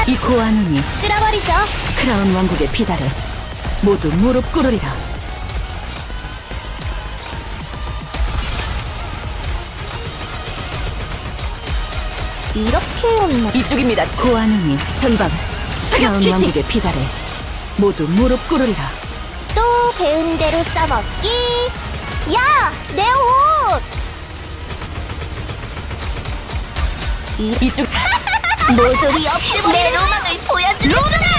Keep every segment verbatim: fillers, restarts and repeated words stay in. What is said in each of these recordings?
이 고아 눈이 쓸어버리죠. 크라운 왕국의 비달에 모두 무릎 꿇으리라. 이렇게 온나. 이쪽입니다. 고아 눈이 전방 크라운 귀신! 왕국의 비달에 모두 무릎 꿇으리라. 또 배운 대로 써먹기. 야, 내 옷. 이 이쪽 모조리 없애버리는 내 로망을 보여주겠으나.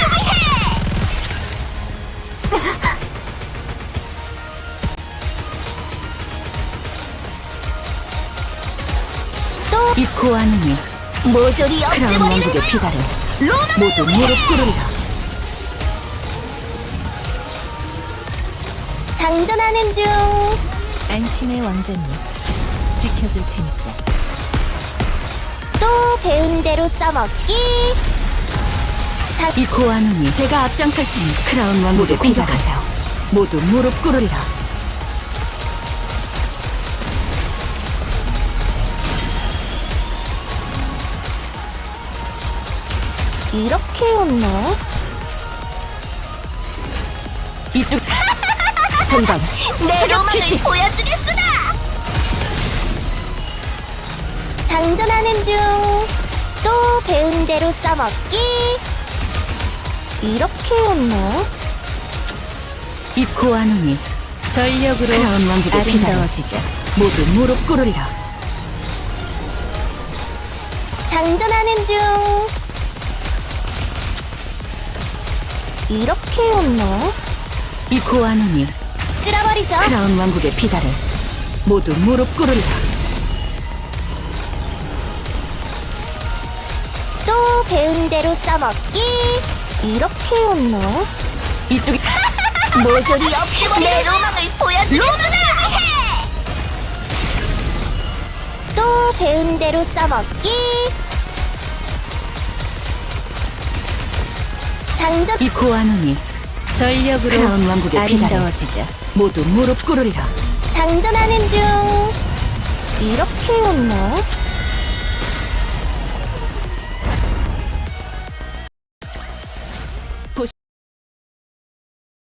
또 이 고아 눈이 모조리 크라운 없애버리는 왕국의 거야. 비달에 로망을 모두 위해. 무릎 꿇으리라. 장전하는 중. 안심의 왕자님, 지켜줄 테니까. 또 배운 대로 써먹기. 자, 이 고아 눈이 제가 앞장설 테니 크라운 왕국의 모두 비달에 모두 무릎 꿇으리라. 이렇게 온나? 이쪽 전방 내 로망을 귀신! 보여주겠으나. 장전하는 중. 또 배운 대로 써먹기. 이렇게 온나? 이 고아 눈이 전력으로 크라운 왕국의 비달에 아름다워지자. 모두 무릎 꿇으리라. 장전하는 중. 이렇게 온나? 이 고아 눈이 쓸어버리죠. 크라운 왕국의 비달에 모두 무릎 꿇으리라. 또 배운 대로 써먹기. 이렇게 온나? 이쪽이 모조리 없애버리는 내 로망을 보여주겠으나. 또 배운 대로 써먹기. 장전 이 고아 눈이 전력으로 크라운 왕국의 비달에 아름다워지자. 모두 무릎 꿇으리라. 장전하는 중. 이렇게 온나?